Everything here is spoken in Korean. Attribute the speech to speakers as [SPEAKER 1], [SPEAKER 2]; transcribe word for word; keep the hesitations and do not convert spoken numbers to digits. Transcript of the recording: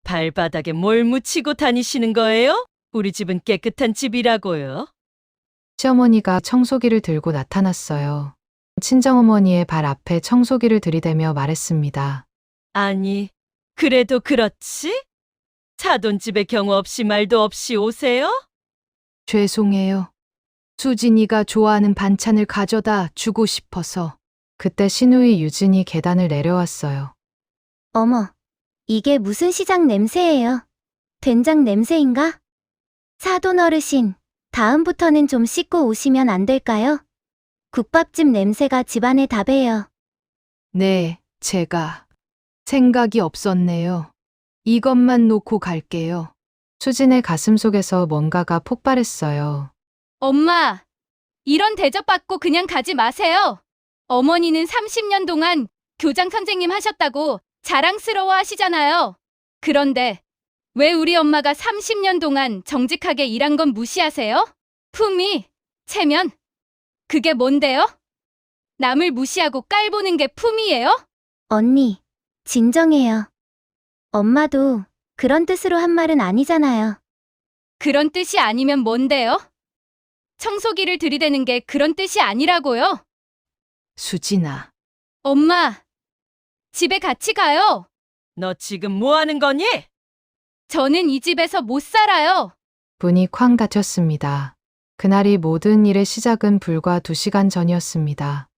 [SPEAKER 1] 발바닥에 뭘 묻히고 다니시는 거예요? 우리 집은 깨끗한 집이라고요.
[SPEAKER 2] 시어머니가 청소기를 들고 나타났어요. 친정어머니의 발 앞에 청소기를 들이대며 말했습니다.
[SPEAKER 1] 아니, 그래도 그렇지? 사돈집의 경우 없이 말도 없이 오세요?
[SPEAKER 2] 죄송해요. 수진이가 좋아하는 반찬을 가져다 주고 싶어서. 그때 시누이 유진이 계단을 내려왔어요.
[SPEAKER 3] 어머, 이게 무슨 시장 냄새예요? 된장 냄새인가? 사돈 어르신, 다음부터는 좀 씻고 오시면 안 될까요? 국밥집 냄새가 집안에 다 배요.
[SPEAKER 2] 네, 제가 생각이 없었네요. 이것만 놓고 갈게요. 수진의 가슴 속에서 뭔가가 폭발했어요.
[SPEAKER 4] 엄마, 이런 대접받고 그냥 가지 마세요. 어머니는 삼십 년 동안 교장 선생님 하셨다고 자랑스러워 하시잖아요. 그런데 왜 우리 엄마가 삼십 년 동안 정직하게 일한 건 무시하세요? 품위, 체면, 그게 뭔데요? 남을 무시하고 깔보는 게 품위예요?
[SPEAKER 3] 언니, 진정해요. 엄마도 그런 뜻으로 한 말은 아니잖아요.
[SPEAKER 4] 그런 뜻이 아니면 뭔데요? 청소기를 들이대는 게 그런 뜻이 아니라고요.
[SPEAKER 2] 수진아,
[SPEAKER 4] 엄마, 집에 같이 가요.
[SPEAKER 1] 너 지금 뭐 하는 거니?
[SPEAKER 4] 저는 이 집에서 못 살아요.
[SPEAKER 2] 문이 쾅 닫혔습니다. 그날이 모든 일의 시작은 불과 두 시간 전이었습니다.